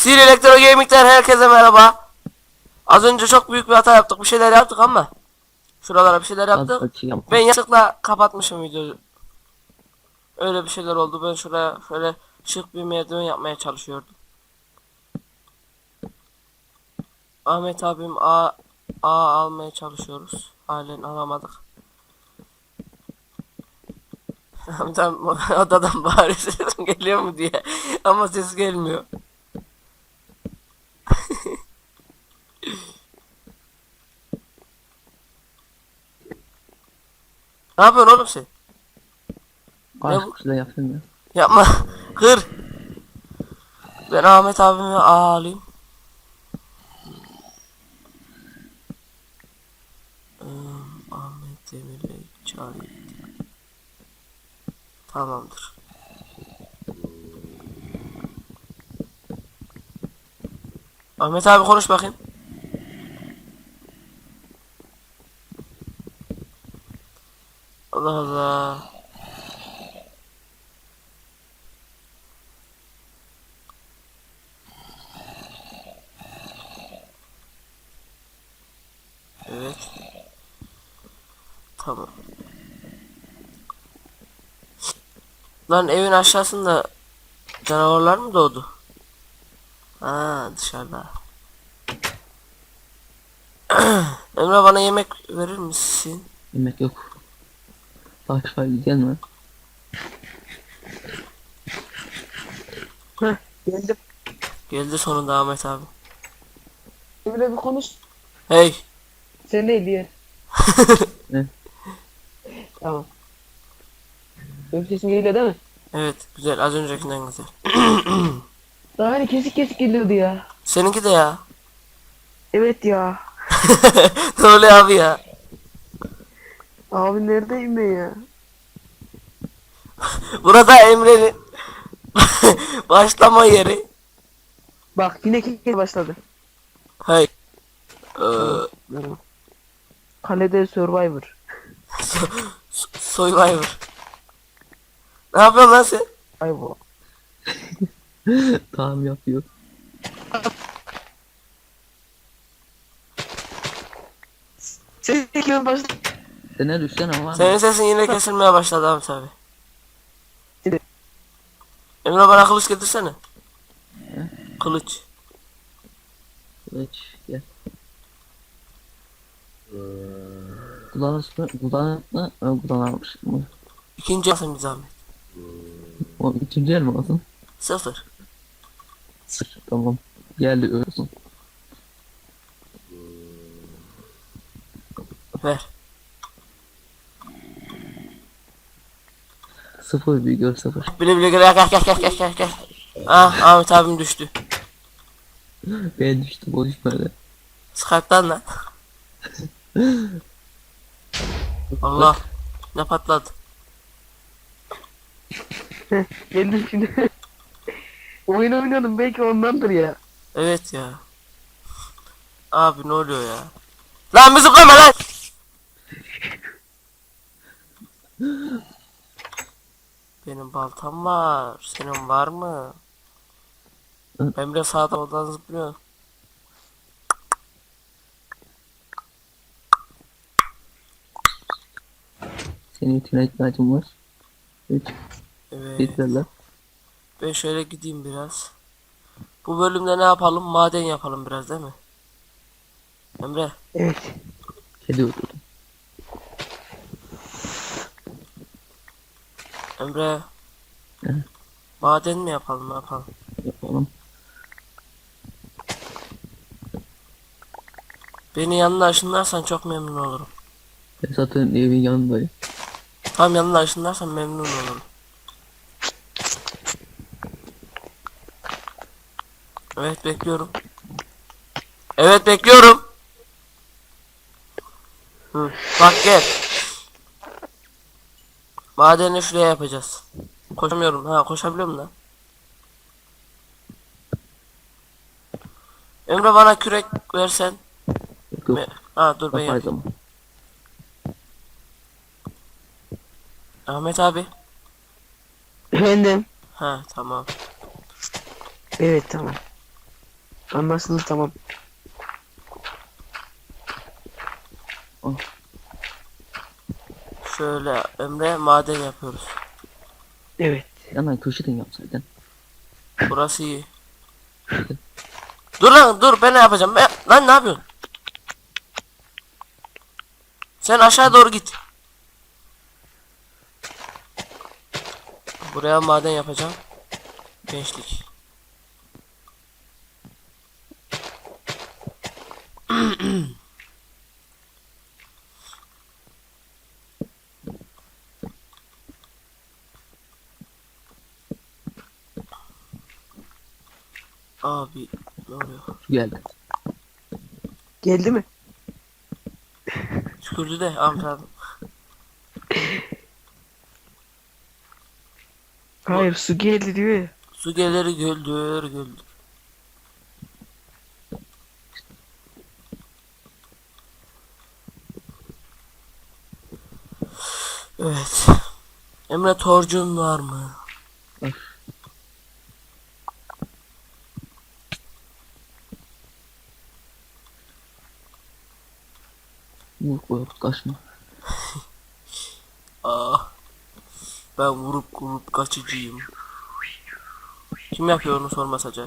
Sir Elektro Gaming'den herkese merhaba. Az önce çok büyük bir hata yaptık. Bir şeyler yaptık ama şuralara bir şeyler yaptık. Ben yanlışlıkla kapatmışım videoyu. Öyle bir şeyler oldu. Ben şuraya şöyle şık bir merdiven yapmaya çalışıyordum. Ahmet abim A almaya çalışıyoruz. Halen alamadık. Tam odadan bağırıyor, sesim geliyor mu diye. Ama ses gelmiyor. Ne yapıyorsun oğlum sen? Ne bu? Şurada yapayım ya. Yapma. Kır. Ben Ahmet abimi alayım. Ahmet Demir'le çağırayım. Tamamdır. Ahmet abi konuş bakayım. Allah Allah. Evet. Tamam. Lan evin aşağısında canavarlar mı doğdu? Ha, dışarıda. Emre bana yemek verir misin? Yemek yok. Taş var gelme. Heh, geldim. Geldi sonunda Ahmet abi. Böyle bir konuş. Hey. Sen neydi ya? Ne? Tamam. Benim sesim geliyor değil mi? Evet, güzel, az öncekinden güzel. Daha hani kesik kesik geliyordu ya. Seninki de ya. Evet ya. Ne oluyor abi ya? Abi neredeyim ben ya? Burada Emre'nin başlama yeri. Bak yine kek başladı. Hey. Merhaba. Kalede Survivor. Survivor. Ne yapıyorsun lan sen? Ay bu. Tamam yapıyor. Sen kimin başladı? Sen ne düşsen ama var Senin mı? sesin yine kesilmeye başladı Ahmet abi. Şimdi. Emre bana kılıç getirsene. Kılıç. Kılıç gel. Kullanmış mı? İkinci alsın bir zahmet. O ikinci el mi olsun? 0. Sıfır. Tamam. Geldi ölsün. Ver. Sıfır bir gör sıfır. Bile bile gel. Ah, Ahmet abim düştü. Ben düştüm o düşmedi. Skype'dan lan. Allah. Ne patladı? Geldim şimdi. Oyun oynuyordum belki ondandır ya. Evet ya. Abi ne oluyor ya? Lan müzikleme lan! Benim baltam var. Senin var mı? Emre sağdan oradan zıplıyor. Senin için ihtiyacım var. Üç. Evet. Bitirler. Ben şöyle gideyim biraz. Bu bölümde ne yapalım? Maden yapalım biraz değil mi? Emre. Evet. Kedi öldürdüm. Emre. Ne? Maden mi yapalım? Ne yapalım? Yapalım. Beni yanına ışınlarsan çok memnun olurum. Ben zaten evin yanındayım. Tam yanına ışınlarsan memnun olurum. Evet bekliyorum. Evet bekliyorum. Hı, bak gel. Madeni şuraya yapacağız. Koşamıyorum. Ha koşabiliyorum da. Emre bana kürek versen. Yok. Ha dur ben Yapay yapayım. zaman. Ahmet abi. Efendim. Ha tamam. Evet tamam. Anlarsınız tamam. Şöyle Emre maden yapıyoruz. Evet. Hemen köşeden yapsaydın. Burası iyi. Dur lan dur ben ne yapacağım? Lan ne yapıyorsun? Sen aşağı doğru git. Buraya maden yapacağım. Gençlik. Abi ne oluyor? Geldi. Geldi mi? Tükürdü de Ahmet abi. Hayır su geldi diyor ya. Su gelir güldür güldür. Evet. Emre torcun var mı? Bak. Vur koyup kaçma. Ah. Ben vurup kaçıcıyım. Kim yapıyor onu sormasa acayip.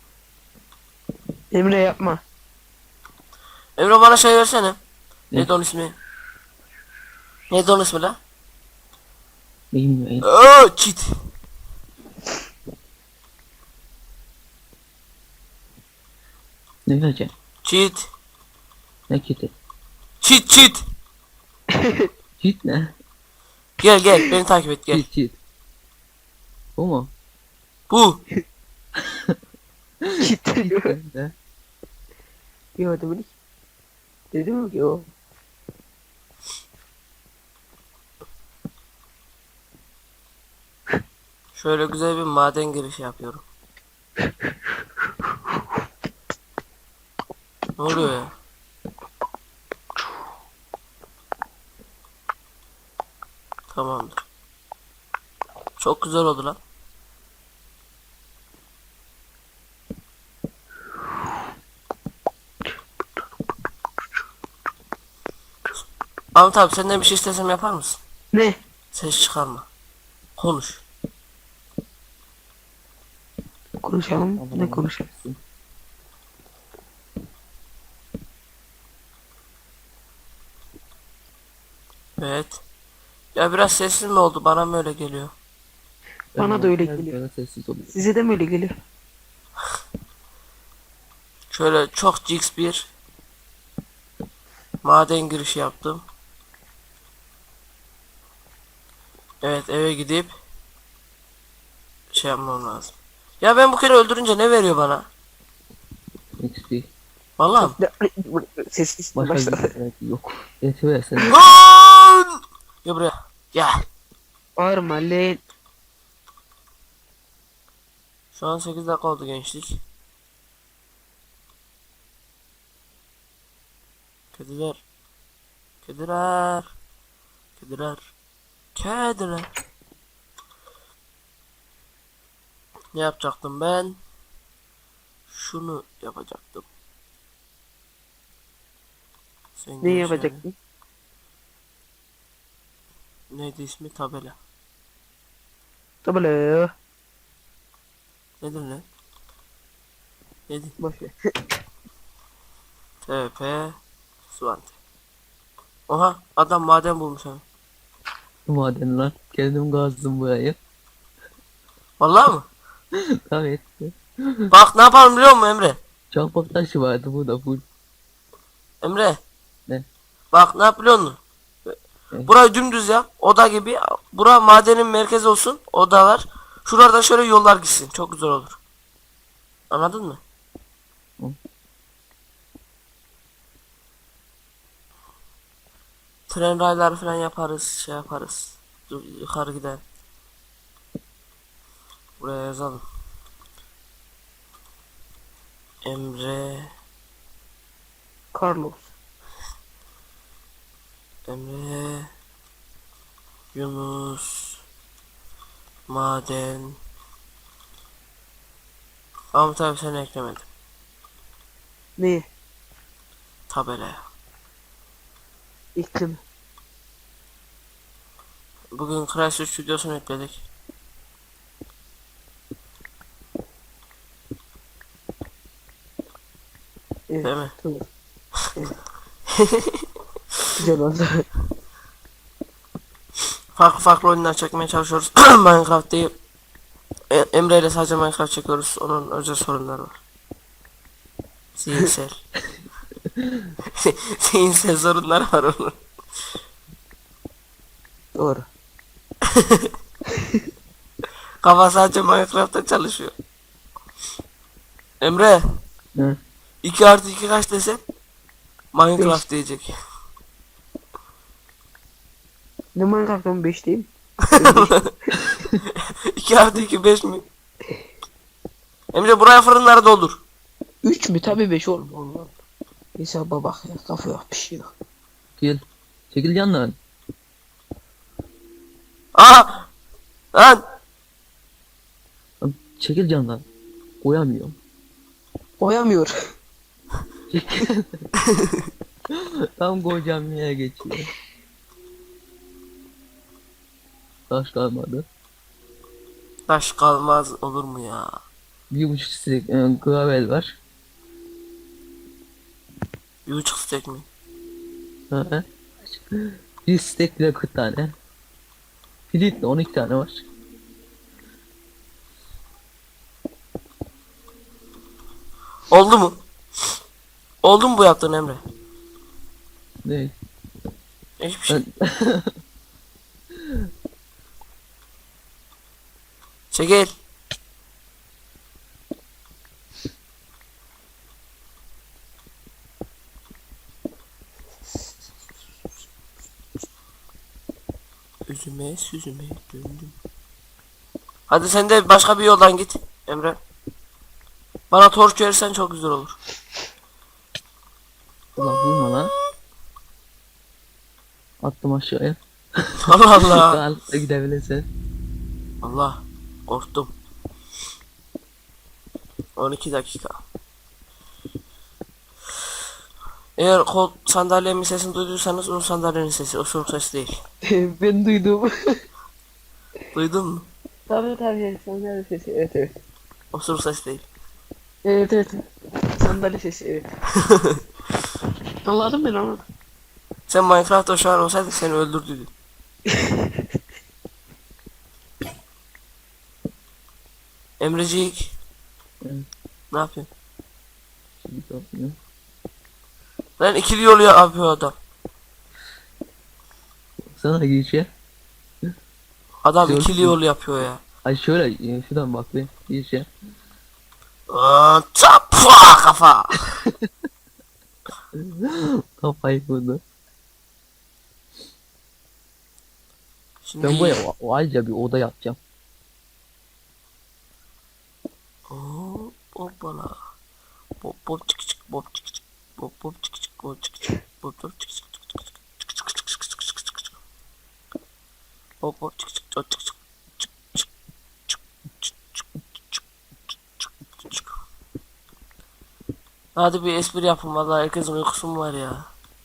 Emre yapma. Emre bana şey versene. Ne? Neydi onun ismi? Neydi onun ismi la? Bilmiyorum. Çit. Ne vereceksin? Çit. Ne kiti? Çit. Çit ne? Gel beni takip et gel. Çit. Bu mu? Bu. Gitti. Ne? Yok dedim. Dedim ki o. Şöyle güzel bir maden girişi yapıyorum. Ne oluyor ya? Tamamdır. Çok güzel oldu lan. Ahmet abi senden bir şey istesem yapar mısın? Ne? Ses çıkarma. Konuş. Konuşalım. Ne konuşalım? Evet. Ya biraz sessiz mi oldu? Bana mı öyle geliyor? Bana da öyle Biraz geliyor. böyle sessiz oluyor. Size de mi öyle geliyor? Şöyle çok jigs bir maden girişi yaptım. Evet eve gidip şey yapmam lazım. Ya ben bu kere öldürünce ne veriyor bana? XP. Vallahi mi? Sessiz Başka başla. bir evet, yok. Eti versene. Lan! Gel buraya. Gel. Bağırma lan. Şu an 8 dakika oldu gençlik. Kediler. Kediler. Kediler. Kediler. Ne yapacaktım ben? Şunu yapacaktım. Sen Ne gel yapacaktın? şöyle. Neydi ismi? Tabela. Tabii. Nedir lan? Nedir? Boş ver. TP Suante. Oha adam maden bulmuş ha. Maden lan. Kendim kazdım burayı. Vallahi mı? Evet. Bak ne yapalım biliyor musun Emre? Çakmak taşı vardı bu da full. Emre. Ne? Bak ne yap biliyor musun? Ne? Burayı dümdüz yap. Oda gibi. Bura madenin merkezi olsun. Odalar. Şuradan şöyle yollar gitsin. Çok güzel olur. Anladın mı? Hı. Tren rayları falan yaparız. Şey yaparız. Dur, yukarı gidelim. Buraya yazalım. Emre. Carlos. Emre. Yunus. Maden. Ahmet abi seni eklemedim. Neyi? Tabelaya. İklim. Bugün Crash 3 videosunu yükledik. Evet. Değil mi? Tamam. Evet. Güzel oldu. Farklı farklı oyunlar çekmeye çalışıyoruz. Minecraft değil. Emre ile sadece Minecraft çekiyoruz. Onun özel sorunları var. Zihinsel. Zihinsel sorunları var onun. Doğru. Kafa sadece Minecraft'ta çalışıyor. Emre, Hı. 2 artı 2 kaç desen? Minecraft diyecek. Ne Minecraft'ın 5 diyeyim? 2 artı 2 5 mi? Emre buraya fırınları doldur. 3 mü? Tabii 5 oğlum. Allah. Hesaba bak ya. Kafa yok. Bir şey yok. Gel. Çekil yandan. Aha! Lan! Lan çekil candan. Koyamıyorum. Koyamıyor. Çekil. Tam koyacağım yere geçiyor. Taş kalmadı. Taş kalmaz olur mu ya? 1,5 stek gravel var. 1,5 stek mi? Hı. Bir stek bile 40 tane. Filitle 12 tane var. Oldu mu? Oldu mu bu yaptığın Emre? Ne? Hiçbir şey. Ben... Çekil. Üzüme süzüme döndüm. Hadi sen de başka bir yoldan git Emre. Bana torç verirsen çok güzel olur. Allah vurma lan. Attım aşağıya. Allah Allah. Rahatlıkla gidebilirsin. Allah. Korktum. 12 dakika. Eğer kol sandalyemin sesini duyduysanız o sandalyenin sesi, o soğuk ses değil. Ben duydum. Duydun mu? Tabii. Sandalye sesi. Evet evet. O soğuk ses değil. Evet. Sandalye sesi evet. Anladım ben anladım. Sen Minecraft'ta şu an olsaydın seni öldürdüydü. Emrecik. Evet. Ne yapıyorsun? Şimdi yapmıyor. Lan ikili yolu yapıyor adam. Sana girişe. Adam Gördün ikili mü? yol yapıyor ya. Ay şöyle şuradan bak bir girişe. Çapua kafa. Kafayı vurdu. Şimdi Ben buraya ayrıca bir oda yapacağım. hoppala. Bop bop çık çık bop çık çık. Bop bop çık çık bop çık çık. Bop bop çık çık çık çık çık çık çık çık çık çık çık. Bop bop çık çık çık çık çık. Çık çık çık çık çık çık çık çık. Hadi bir espri yapın vallahi herkesin uykusu mu var ya?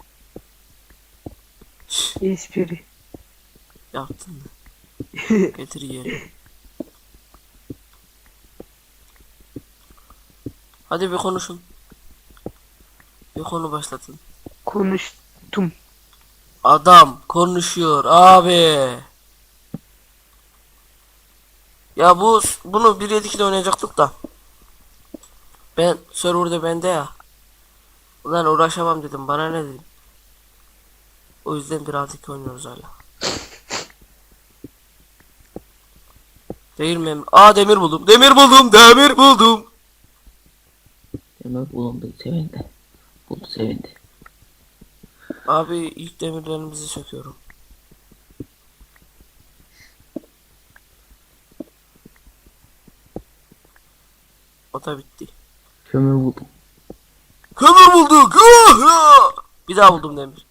Espri. Yaptın mı? Getir yiyelim. Hadi bir konuşun. Bir konu başlatın. Konuştum. Adam konuşuyor abi. Ya bunu 1.7.2'de oynayacaktık da. Ben serverda bende ya. Ulan uğraşamam dedim, bana ne dedim. O yüzden 1.6.2 oynuyoruz hala. Değil mi? Aa demir buldum. Demir buldum. Demir buldum. Hemen bulundu sevindi. Buldu sevindi. Abi ilk demirlerimizi söküyorum. O da bitti. Kömür buldum. Kömür bulduk. Bir daha buldum demir.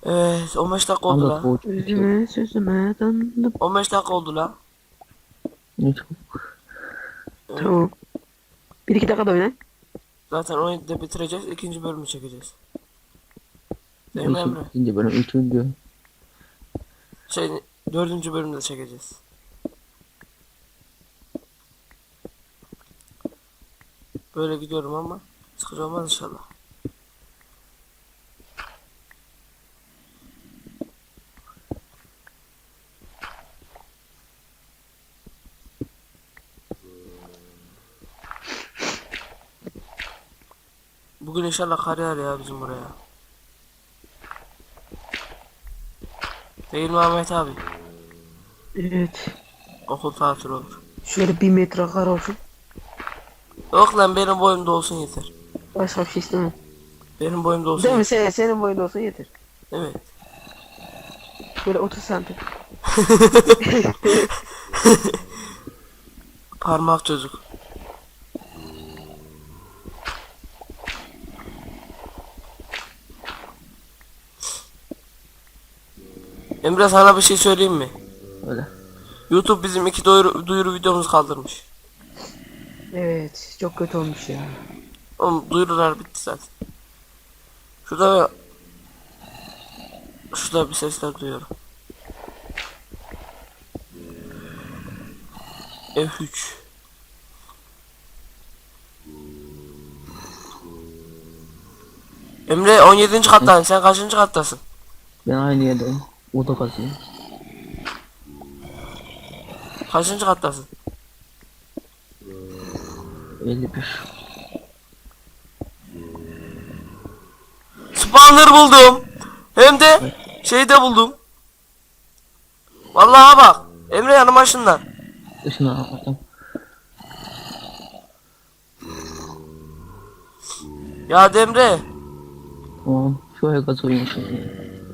Evet 15 dakika oldu Anlat la. bu. Üzüme sözüme döndüm. 15 dakika oldu la. Ne çabuk. Tamam. 1-2 dakika da oynayın. Zaten 17'de bitireceğiz. İkinci bölümü çekeceğiz. Değil mi Emre? İkinci bölüm, üçüncü. Şey, dördüncü bölümde çekeceğiz. Böyle gidiyorum ama sıkıcı olmaz inşallah. Bugün inşallah kar yağar ya bizim buraya. Değil mi Ahmet abi? Evet. Okul tatil olur. Şöyle 1 metre kar olsun. Yok lan benim boyumda olsun yeter. Başka bir şey istemem. Benim boyumda olsun Değil mi? yeter. Senin boyunda olsa yeter. Evet. Böyle 30 santim. Parmak çocuk. Emre sana bir şey söyleyeyim mi? Öyle. YouTube bizim 2 duyuru videomuzu kaldırmış. Evet. Çok kötü olmuş ya. Oğlum duyurular bitti zaten. Şurada bir sesler duyuyorum. F3. Emre 17. kattan sen kaçıncı kattasın? Ben aynı yerdeyim. O da kazıyor. Kaçıncı kattasın? 51. Spawner buldum. Hem de şeyde buldum. Vallahi bak. Emre yanıma ışınlan. Dışına atladım. Ya Demre. Tamam. Şöyle gazıyım şimdi.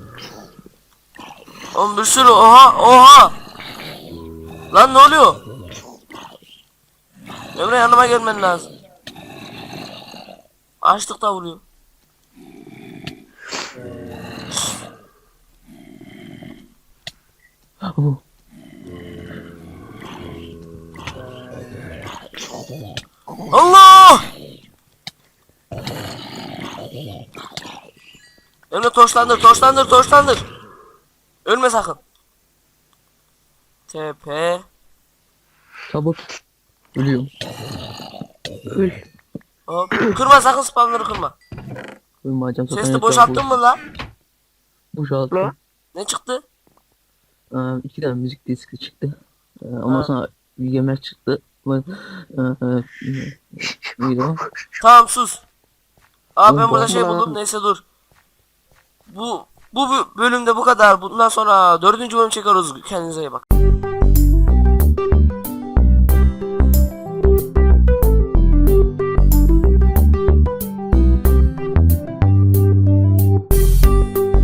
Oğlum bir sürü oha. Lan ne oluyor? Emre yanıma gelmen lazım. Açlıkta vuruyor. Oh. Allah! Emre torçlandır. Ölme sakın. TP. Çabuk. Ölüyorum. Öl. Hop. Kırma sakın spawner'ı kırma. Ölmeyeceğim zaten. Chest'i boşalttın mı la? Boşalttım. La. Ne çıktı? 2 tane müzik diski çıktı. Ha. Ondan sonra bir yemek çıktı. Neydi o? Tamam sus. Aa ben Oğlum, burada şey bana- buldum. Neyse dur. Bu bölümde bu kadar. Bundan sonra 4. bölüm çekiyoruz. Kendinize iyi bak.